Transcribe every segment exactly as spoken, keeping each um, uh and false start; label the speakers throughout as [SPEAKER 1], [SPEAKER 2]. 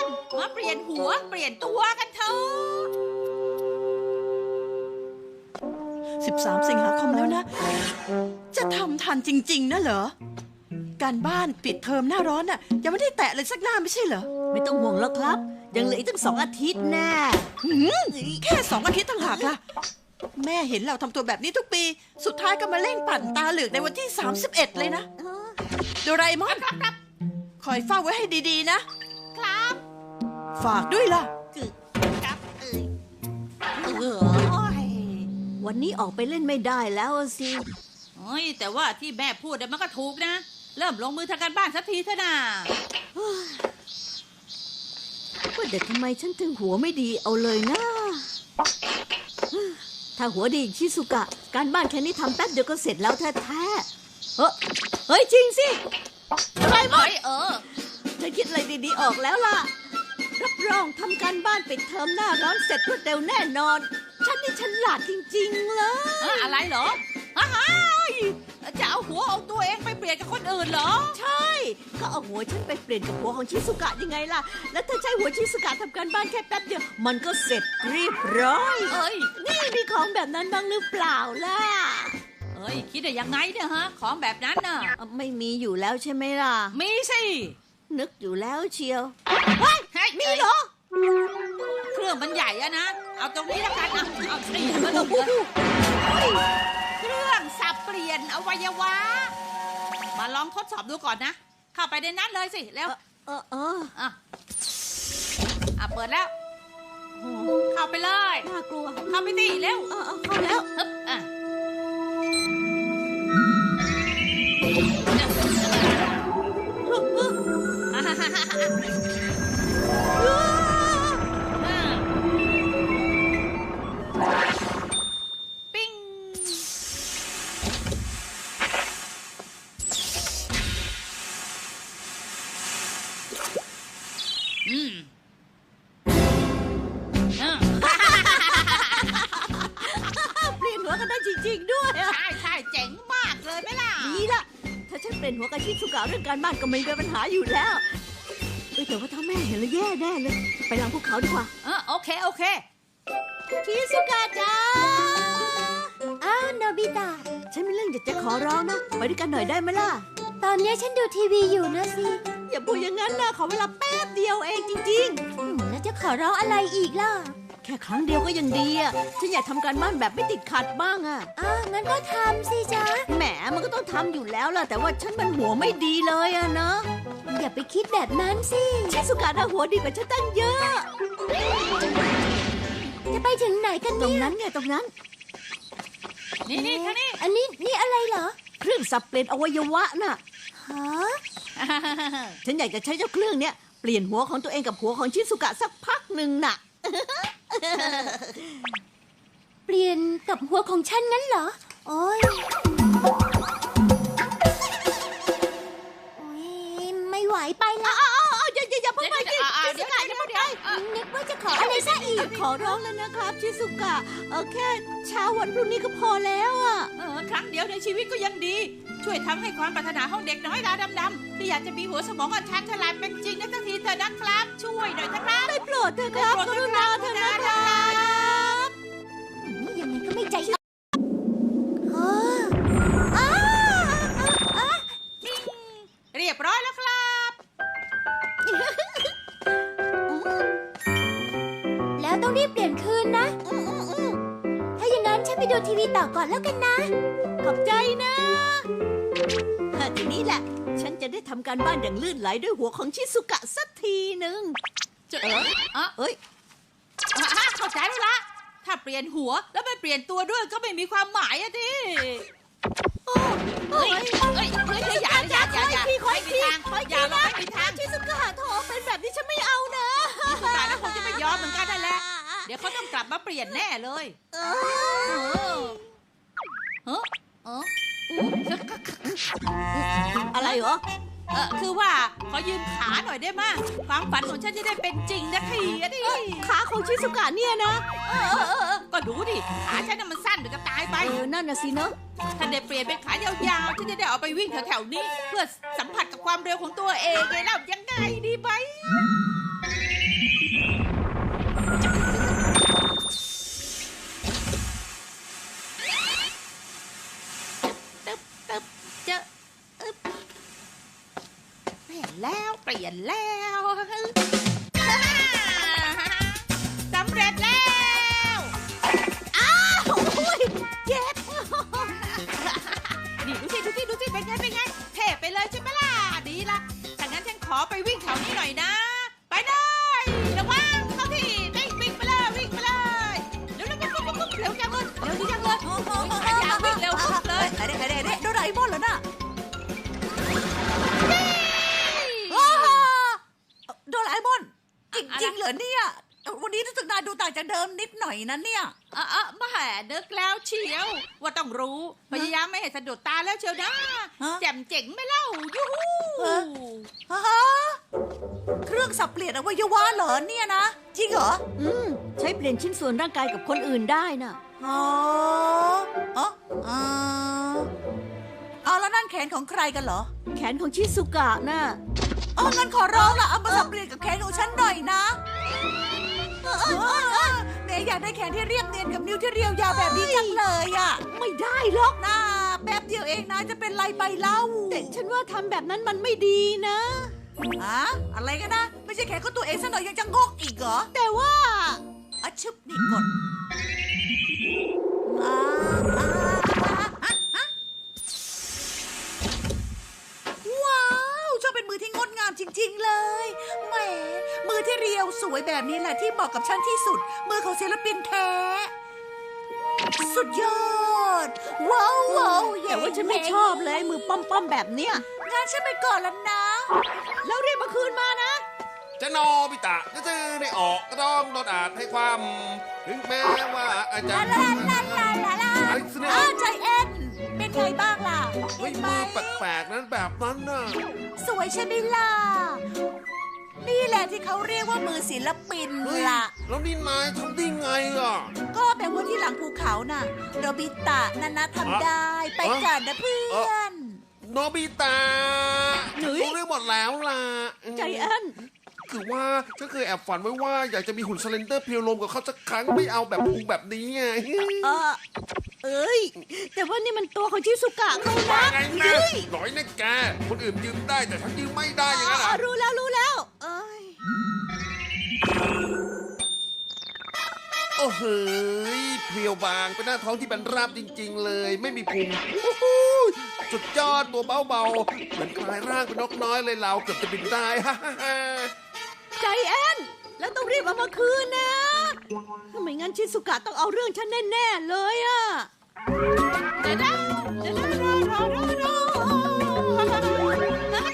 [SPEAKER 1] มาเปลี่ยนหัวเปลี่ยนตัวกันเถอะ
[SPEAKER 2] สิบสามสิงหาคมแล้วนะ จะทำทันจริงๆนะเหรอ การบ้านปิดเทอมหน้าร้อนน่ะยังไม่ได้แตะเลยสักหน้าไม่ใช่เหรอ
[SPEAKER 3] ไม่ต้องห่วงแล้วครับ ยังเหลืออีกตั้งสองอาทิตย์แน่
[SPEAKER 2] หืมแค่สองอาทิตย์ต่างหากล่ะ แม่เห็นเราทำตัวแบบนี้ทุกปี สุดท้ายก็มาเร่งปั่นตาเหลือกในวันที่สามสิบเอ็ดเลยนะโดราเอมอนคอยเฝ้าไว้ให้ดีๆนะครับ ฝากด้วยล่ะ
[SPEAKER 1] คือครับเอ้ยเออ
[SPEAKER 3] วันนี้ออกไปเล่นไม่ได้แล้วอะสิ
[SPEAKER 1] โอ้ยแต่ว่าที่แม่พูดเนี่ยมันก็ถูกนะ เริ่มลงมือทำการบ้านสักทีเถอะนะ
[SPEAKER 3] ว่าแต่ทำไมฉันถึงหัวไม่ดีเอาเลยนะ ถ้าหัวดีอย่างชิสุกะ การบ้านแค่นี้ทำแป๊บเดียวก็เสร็จแล้วแท้ๆเฮ้ยเฮ้ยจริงสิ
[SPEAKER 1] อะไรมั้ยเออ
[SPEAKER 3] ฉันคิดอะไรดีๆออกแล้วล่ะ รับรองทำการบ้านปิดเทอมหน้าร้อนเสร็จรวดเร็วแน่นอน ฉันนี่ฉลาดจริงๆเลย
[SPEAKER 1] เอออะไรเหรออ้ายจะเอาหัวเอาตัวเองไปเปลี่ยนกับคนอื่นเหรอ
[SPEAKER 3] ใช่ ก็เอาหัวฉันไปเปลี่ยนกับหัวของชิสุกะยังไงล่ะ แล้วถ้าใช้หัวชิสุกะทำการบ้านแค่แป๊บเดียว มันก็เสร็จเรียบร้อย
[SPEAKER 1] เอ้ย
[SPEAKER 3] นี่มีของแบบนั้นบ้างหรือเปล่าล่ะ
[SPEAKER 1] เอ้ยคิดได้ยังไงเนี่ยฮะของแบบนั้นน่ะ
[SPEAKER 3] อ่ะไม่มีอยู่แล้วใช่ไหมล่ะ
[SPEAKER 1] มีสิ
[SPEAKER 3] นึกอยู่แล้วเชียว
[SPEAKER 1] เฮ้ยมีเหรอเครื่องมันใหญ่อะนะเอาตรงนี้แล้วกันอ่ะเอาสิมาลงเลยเครื่องสับเปลี่ยนอวัยวะมาลองทดสอบดูก่อนนะ เข้าไปในนั้นเลยสิแล้ว
[SPEAKER 3] เออเออ
[SPEAKER 1] อ่ะอ่ะเปิดแล้ว เข้าไปเลย
[SPEAKER 3] น่ากลัว
[SPEAKER 1] เข้าไปดิเร็ว
[SPEAKER 3] เออเออเข้าแล้ว
[SPEAKER 1] ฮึบอ่ะอ่ะฮ่าฮ่าฮ่าฮ่าอ่ะปิ้งอืมอ่ะ
[SPEAKER 3] เปลี่ยนหัวกันได้จริงๆด้วยอะ
[SPEAKER 1] ใช่ใช่เจ๋งมากเลยไหมล่ะ
[SPEAKER 3] ดีละถ้าฉันเปลี่ยนหัวกับชิสุกะเรื่องการบ้านก็ไม่มีปัญหาอยู่แล้วเอ้ยแต่ว่าถ้าแม่เห็นแล้วแย่แน่เลย ไปหลังภูเขาดีกว่า
[SPEAKER 1] เออโอเค โอเค
[SPEAKER 3] ชิสุกะจ้า
[SPEAKER 4] อ้าวโนบิตะ
[SPEAKER 3] ฉันมีเรื่องอยากจะขอร้องนะ ไปด้วยกันหน่อยได้ไหมล่ะ
[SPEAKER 4] ตอนนี้ฉันดูทีวีอยู่นะสิ
[SPEAKER 3] อย่าพูดอย่างนั้นนะขอเวลาแป๊บเดียวเองจริง
[SPEAKER 4] อืมแล้วจะขอร้องอะไรอีกล่ะ
[SPEAKER 3] ๆ แค่ครั้งเดียวก็ยังดีอ่ะ ฉันอยากทำการบ้านแบบไม่ติดขัดบ้างอ่ะ
[SPEAKER 4] อ้าวงั้นก็ทำสิจ๊ะ
[SPEAKER 3] แหมมันก็ต้องทำอยู่แล้วล่ะ แต่ว่าฉันมันหัวไม่ดีเลยอะเนาะ
[SPEAKER 4] อย่าไปคิดแบบนั้นสิ
[SPEAKER 3] ชิสุกะน่ะหัวดีกว่าฉันตั้งเยอะ
[SPEAKER 4] จะไปถึงไหนกัน
[SPEAKER 3] ตรง
[SPEAKER 4] เนี่ย
[SPEAKER 3] นั้นไงตรงนั้น
[SPEAKER 1] นี่นี่ท่านี่
[SPEAKER 4] อันนี้นี่อะไรเหรอ
[SPEAKER 3] เครื่องสับเปลี่ยนอวัยวะน่ะ
[SPEAKER 4] ฮะ
[SPEAKER 3] ฉันอยากจะใช้เจ้าเครื่องเนี้ยเปลี่ยนหัวของตัวเองกับหัวของชิสุกะสักพักหนึ่งน่ะ
[SPEAKER 4] เปลี่ยนกับหัวของฉันงั้นเหรอ โอ้ยโอ้ยไม่ไหวไปละ
[SPEAKER 3] อ้าวอย่าอย่าอย่าเพิ่งไปสิ
[SPEAKER 1] อ่า
[SPEAKER 3] ชิ
[SPEAKER 1] เดี๋
[SPEAKER 3] สุ
[SPEAKER 1] ยว
[SPEAKER 3] กะ
[SPEAKER 1] เดี๋
[SPEAKER 3] อย่า
[SPEAKER 1] ยว
[SPEAKER 3] เพิ่ง
[SPEAKER 1] เดี๋
[SPEAKER 3] ไป
[SPEAKER 1] ยวเออ
[SPEAKER 4] นึกว่าจะขออะไรซะอีก
[SPEAKER 3] ขอร้องแล้วนะครับชิสุกะเออแค่เช้าวันพรุ่งนี้ก็พอแล้วอ่ะ
[SPEAKER 1] เออครั้งเดียวในชีวิตก็ยังดี ช่วยทำให้ความปรารถนาของเด็กน้อยตาดำๆที่อยากจะมีหัวสมองอันชันฉลาดเป็นจริงได้สักทีเถอะนะครับ ช่วยหน่อยนะครับ
[SPEAKER 3] ได้โปรดเถอะครับ
[SPEAKER 1] ได้
[SPEAKER 3] ก
[SPEAKER 1] โปรด
[SPEAKER 3] รุณาเถอะนะครับ
[SPEAKER 4] ยังไงก็ไม่ใจอ่อนเอออ้าอ้า
[SPEAKER 1] ปิ้งเรียบร้อยแล้วครับ
[SPEAKER 4] แล้วต้องรีบเปลี่ยนคืนนะ ถ้าอย่างนั้นฉันไปดูทีวีต่อก่อนแล้วกันนะ
[SPEAKER 3] ขอบใจนะทีนี้แหละ ฉันจะได้ทำการบ้านอย่างลื่นไหลด้วยหัวของชิสุกะสักทีหนึ่ง
[SPEAKER 1] จะเออเออ
[SPEAKER 3] เอ้ย
[SPEAKER 1] อ่ะเข้าใจแล้วละถ้าเปลี่ยนหัวแล้วไม่เปลี่ยนตัวด้วยก็ไม่มีความหมายอะดิเฮ้ยเฮ้ยเฮ้ยเฮ้ยอย่าอย่าอย่าอย่า
[SPEAKER 3] ขออีกที
[SPEAKER 1] ไม่มีทาง
[SPEAKER 3] ขออีก
[SPEAKER 1] อ
[SPEAKER 3] ที
[SPEAKER 1] ย่าลง
[SPEAKER 3] นะ
[SPEAKER 1] ไม่มีทาง
[SPEAKER 3] ชิสุกะโถเป็นแบบนี้ฉันไม่เอานะ
[SPEAKER 1] สุดท้ายแล้วคงจะไม่ยอมเหมือนกันนั่นแหละ เดี๋ยวเขาต้องกลับมาเปลี่ยนแน่เลย
[SPEAKER 3] เอ
[SPEAKER 1] เอ
[SPEAKER 3] อ
[SPEAKER 1] อเออเออ
[SPEAKER 3] อะไรเหรอ
[SPEAKER 1] เออคือว่าขอยืมขาหน่อยได้ไหมความฝันของฉันจะได้เป็นจริงนะทีอะดิ
[SPEAKER 3] ขาของชิสุกะเนี่ยนะ
[SPEAKER 1] เออเออเออเออก็ดูดิขาฉันน่ะมันสั้นเดี๋ยวจะตายไป
[SPEAKER 3] เออนั่นน่ะสิเนอะ
[SPEAKER 1] ถ้าได้เปลี่ยนเป็นขายาวๆฉันจะได้เอาไปวิ่งแถวๆนี้ เพื่อสัมผัสกับความเร็วของตัวเองไงเล่ายังไงดีไหมแล้วสำเร็จแล้ว
[SPEAKER 3] โอ้ยเจ็บ
[SPEAKER 1] นี่ดูสิดูสิดูสิเป็นไงเป็นไงเทไปเลยใช่ไหมล่ะดีละถ้างั้นฉันขอไปวิ่งแถวนี้หน่อยนะไปเลยระวังเข้าที่วิ่งวิ่งไปเลยวิ่งไปเลยเร็วเร็วปุ๊บปุ๊บปุ๊บเร็วจังเลยเร็วดีจังเลยขยันวิ่งเร็วปุ๊บเลย
[SPEAKER 2] เด็กเด็กเด็กโดราเอมอนเหรอน่ะโดราเอมอนจริงๆเหรอเนี่ยวันนี้รู้สึกนายดูต่างจากเดิมนิดหน่อยนะเนี่ย
[SPEAKER 1] เออเออมาแห่นึกแล้วเชียว ว่าต้องรู้พยายามไม่ให้สะดุดตาแล้วเชียวนะ
[SPEAKER 2] ฮะ
[SPEAKER 1] แจ่มเจ๋งไหม่เล่ายูฮู
[SPEAKER 2] ฮะเครื่องสับเปลี่ยนอวัยวะเหรอเนี่ยนะจริงเหรอ
[SPEAKER 3] อืมใช้เปลี่ยนชิ้นส่วนร่างกายกับคนอื่นได้น่ะ
[SPEAKER 2] อ๋ออ๋ออ๋อเอาแล้วนั่นแขนของใครกันเหรอ
[SPEAKER 3] แขนของชิสุกะน่ะ
[SPEAKER 2] อ๋องั้นขอร้องละเอามาสับเปลี่ยนกับแขนของฉันหน่อยนะแม่อยากได้แขนที่เรียบเนียนกับนิ้วที่เรียวยาวแบบนี้จังเลยอ่ะ
[SPEAKER 3] ไม่ได้หรอก
[SPEAKER 2] น่าแป๊บเดียวเองนะจะเป็นไรไปเล่า
[SPEAKER 3] แต่ฉันว่าทำแบบนั้นมันไม่ดีนะ
[SPEAKER 2] ฮะอะไรกันนะ ไม่ใช่แขนของตัวเองซะหน่อยยังจะงกอีกเหรอ
[SPEAKER 3] แต่ว่า
[SPEAKER 2] อะชึบนี่กดอ่าอ่าอ่าอ่าว้าวชอบเป็นมือที่งดงามจริง ๆ เลยแหมมือที่เรียวสวยแบบนี้แหละที่เหมาะกับฉันที่สุด มือของศิลปินแท้ สุดยอด ว้าวว้าว
[SPEAKER 3] แต่ว่าฉันไม่ชอบเลยมือป้อมๆแบบเนี้ย
[SPEAKER 2] งานฉันไปก่อนแล้วนะ
[SPEAKER 3] แล้วเรียกมาคืนมานะ
[SPEAKER 5] จะโนบิตะจะซื้อได้ออกก็ต้องโดนอาจให้ความถึงแม้ว่าอาจจะ
[SPEAKER 2] ลาลาลาลาลา
[SPEAKER 5] ไอ้สเน
[SPEAKER 2] อ้าวใจแอนเป็นไงบ้างล่ะ
[SPEAKER 5] เฮ้ย
[SPEAKER 2] เห็นไหม
[SPEAKER 5] มือแปลกๆนั้นแบบนั้นน่ะ
[SPEAKER 2] สวยใช่ไหมล่ะ นี่แหละที่เขาเรียกว่ามือศิลปิน
[SPEAKER 5] เฮ้ย
[SPEAKER 2] ล่ะ
[SPEAKER 5] แล้วนี่นายทำได้ไงอ่ะ
[SPEAKER 2] ก็แปลว่าที่หลังภูเขาน่ะโรบิตะนันนะทำได้ ไปก่อนนะเพื่อน
[SPEAKER 5] โนบิตะ
[SPEAKER 3] หนุ่ย
[SPEAKER 5] รู้เรื่องหมดแล้วล่ะ
[SPEAKER 3] ใจแอน
[SPEAKER 5] คือว่าฉันเคยแอบฝันไว้ว่าอยากจะมีหุ่นสเลนเดอร์เพลียวลมกับเขาสักครั้งไม่เอาแบบพุงแบบนี้ไง
[SPEAKER 3] เออเอ้ย แต่ว่านี่มันตัวของชิสุกะเขา
[SPEAKER 5] ว่า
[SPEAKER 3] นะ
[SPEAKER 5] ไงนะหน่อยนะแกคนอื่นยืมได้แต่ฉันยืมไม่ได้อย่างนั้นเหร
[SPEAKER 3] อ๋
[SPEAKER 5] อ
[SPEAKER 3] อรู้แล้วรู้แล้ว เอ้ย
[SPEAKER 5] โอ้โหเพลียวบางเป็นหน้าท้องที่เป็นราบจริง ๆ เลย ไม่มีพุงโอ้โหสุดยอดตัวเบาๆเหมือนกลายร่างเป็นนกน้อยเลยเราเกือบจะบินได้ ฮ่าฮ่าฮ่า
[SPEAKER 3] ใจแอน แล้วต้องรีบเอามาคืนนะถ้าไม่งั้นชิสุกะต้องเอาเรื่องฉันแน่ๆเลยอะ
[SPEAKER 1] เดี๋ยวนะเดี๋ยวนะรอรอรอรอ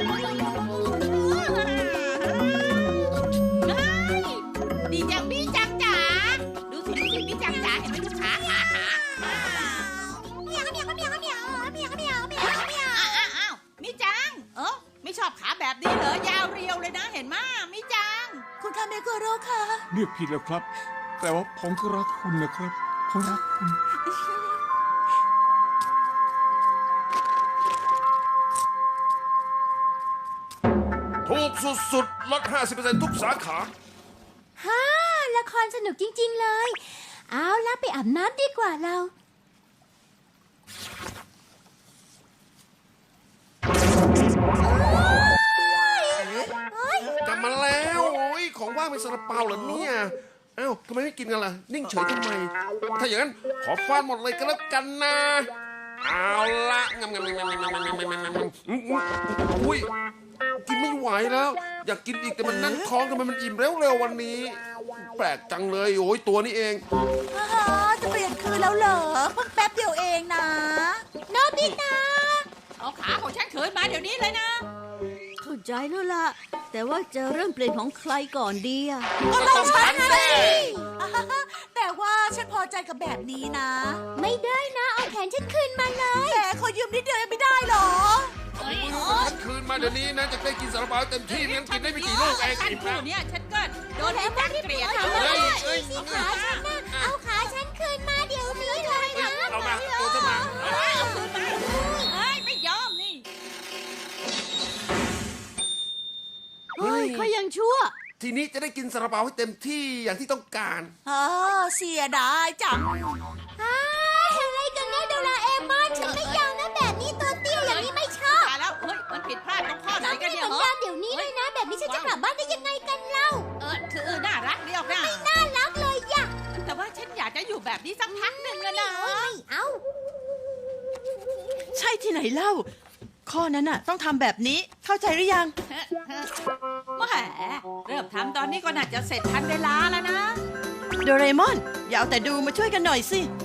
[SPEAKER 1] ดีจังพี่จังจ๋าดูสิดูสิพี่จังจ๋าเห็นไหมดูขาขาขาอ้าวอ้าวมิจัง เออไม่ชอบขาแบบนี้เหรอยาวเรียวเลยนะเห็นมั้ยมิจัง
[SPEAKER 2] คุณคาเมโกโร่ค่ะ
[SPEAKER 6] เรียกผิดแล้วครับ แต่ว่าผมก็รักคุณนะครับผมรักคุณ
[SPEAKER 5] ถูกสุดๆลด ห้าสิบเปอร์เซ็นต์ ทุกสาขา
[SPEAKER 4] ฮ่าละครสนุกจริง ๆ เลย เอาละไปอาบน้ำดีกว่าเรา
[SPEAKER 5] กลับมาแล้วโอ้ยของว่างเป็นซาลาเปาเหรอเนี่ยเอ้าทำไมไม่กินกันล่ะ นิ่งเฉยทำไม ถ้าอย่างนั้นขอฟาดหมดเลยก็แล้วกันนะ เอาละงำงำงำงำงำงำงำงำงำงำอุ้ยกินไม่ไหวแล้ว อยากกินอีกแต่มันนั่นท้องทำไมมันอิ่มเร็วๆวันนี้ แปลกจังเลยโอ้ยตัวนี้เอง
[SPEAKER 2] อ่าฮะจะเปลี่ยนคืนแล้วเหรอ เพิ่งแป๊บเดียวเองนะโนบิตะ
[SPEAKER 1] เอาขาของฉันคืนมาเดี๋ยวนี้เลยนะ
[SPEAKER 3] เข้าใจแล้วล่ะ แต่ว่าจะเริ่มเปลี่ยนของใครก่อนดีอะ
[SPEAKER 2] ก็ต้องฉันสิอ่าฮะแต่ว่าฉันพอใจกับแบบนี้นะ
[SPEAKER 4] ไม่ได้นะ เอาแขนฉันคืนมาเลย
[SPEAKER 2] แต่ขอยืมนิดเดียวยังไม่ได้เหรอ
[SPEAKER 5] ฉันคืนมาเดี๋ยวนี้นะจะได้กินซาลาเปาเต็มที่ไม่งั้นกินได้ไม่กี่ลูกเอง
[SPEAKER 1] ฉัน
[SPEAKER 5] อิ่ม
[SPEAKER 1] พู
[SPEAKER 5] แล้ว
[SPEAKER 1] ดเนี่ยฉันก็โดนพี่จังเกลียด
[SPEAKER 4] ทำ
[SPEAKER 1] เล
[SPEAKER 4] อะไร
[SPEAKER 1] ย
[SPEAKER 5] เอ้ย
[SPEAKER 4] สิขาฉันนะเอาขาฉันคืนมาเดี๋ยวนี้เลยนะ
[SPEAKER 5] เอามาตัวจะมา
[SPEAKER 1] เอาคืนมาเฮ้ยไม่ยอมนี่
[SPEAKER 3] เฮ้ยเขายังชั่ว
[SPEAKER 5] ทีนี้จะได้กินซาลาเปาให้เต็มที่อย่างที่ต้องการ
[SPEAKER 2] อ๋อเสียดายจัง
[SPEAKER 4] อ้าอะไรกันนะโดราเอมอนฉันไม่ยอมนะแบบนี้ตัวเตี้ยอย่างนี้ไม่ชอบ
[SPEAKER 1] ตายแล้วเฮ้ยมันผิดพลาดตรงข้อไหน
[SPEAKER 4] ต้อง
[SPEAKER 1] กัน
[SPEAKER 4] ไม่
[SPEAKER 1] เนี่ย
[SPEAKER 4] เหมือน
[SPEAKER 1] เหรอ
[SPEAKER 4] เดิมเดี๋ยวนี้เลยนะแบบนี้ฉันจะกลับบ้านได้ยังไงกันเล่า
[SPEAKER 1] เออคือน่ารักเดียวนะ
[SPEAKER 4] น่ารักเลยย่ะ
[SPEAKER 1] แต่ว่าฉันอยากจะอยู่แบบนี้สักพักหนึ่งอะนะ
[SPEAKER 4] ไม่เอา
[SPEAKER 2] ใช่ที่ไหนเล่า ข้อนั้นน่ะ ต้องทำแบบนี้เข้าใจหรือยัง
[SPEAKER 1] แหมเริ่มทำตอนนี้ก็น่าจะเสร็จทันเวลาแล้วนะ
[SPEAKER 2] โดเรมอน อย่าเอาแต่ดูมาช่วยกันหน่อยสิ